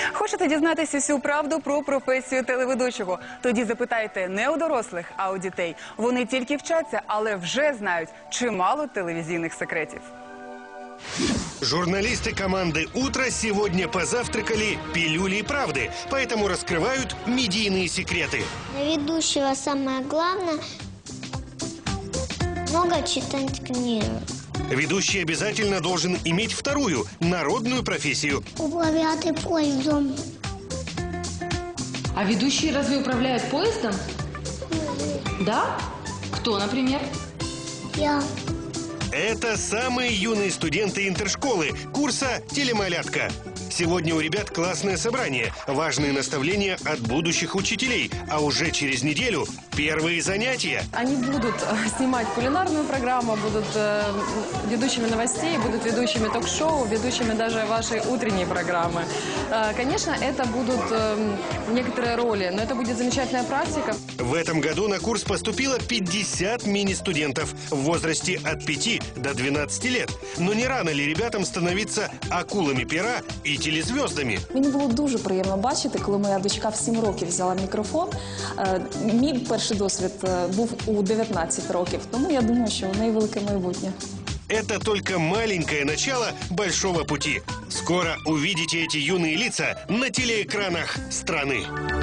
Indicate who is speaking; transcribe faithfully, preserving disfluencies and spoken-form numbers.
Speaker 1: Хочете дізнатися всю правду про професію телеведучого? Тоді запитайте не у дорослих, а у дітей. Вони тільки вчаться, але вже знають чимало телевізійних секретів.
Speaker 2: Журналисты команды «Утро» сегодня позавтракали пилюлей правды, поэтому раскрывают медийные секреты.
Speaker 3: Для ведущего самое главное – много читать книг.
Speaker 2: Ведущий обязательно должен иметь вторую, народную профессию.
Speaker 3: Управлять поездом.
Speaker 4: А ведущие разве управляют поездом? Да? Кто, например?
Speaker 3: Я.
Speaker 2: Это самые юные студенты интершколы курса «Телемалятка». Сегодня у ребят классное собрание, важные наставления от будущих учителей, а уже через неделю первые занятия.
Speaker 5: Они будут снимать кулинарную программу, будут э, ведущими новостей, будут ведущими ток-шоу, ведущими даже вашей утренней программы. Э, конечно, это будут э, некоторые роли, но это будет замечательная практика.
Speaker 2: В этом году на курс поступило пятьдесят мини-студентов в возрасте от пяти до двенадцати лет. Но не рано ли ребятам становиться акулами пера и телезвездами?
Speaker 6: Мені було дуже приємно бачити, коли моя дочка в сім років взяла мікрофон. Е, Мій перший досвід е, був у дев'ятнадцять років, тому я думаю, що у неї велике майбутнє.
Speaker 2: Это только маленькое начало большого пути. Скоро увидите эти юные лица на телеэкранах страны.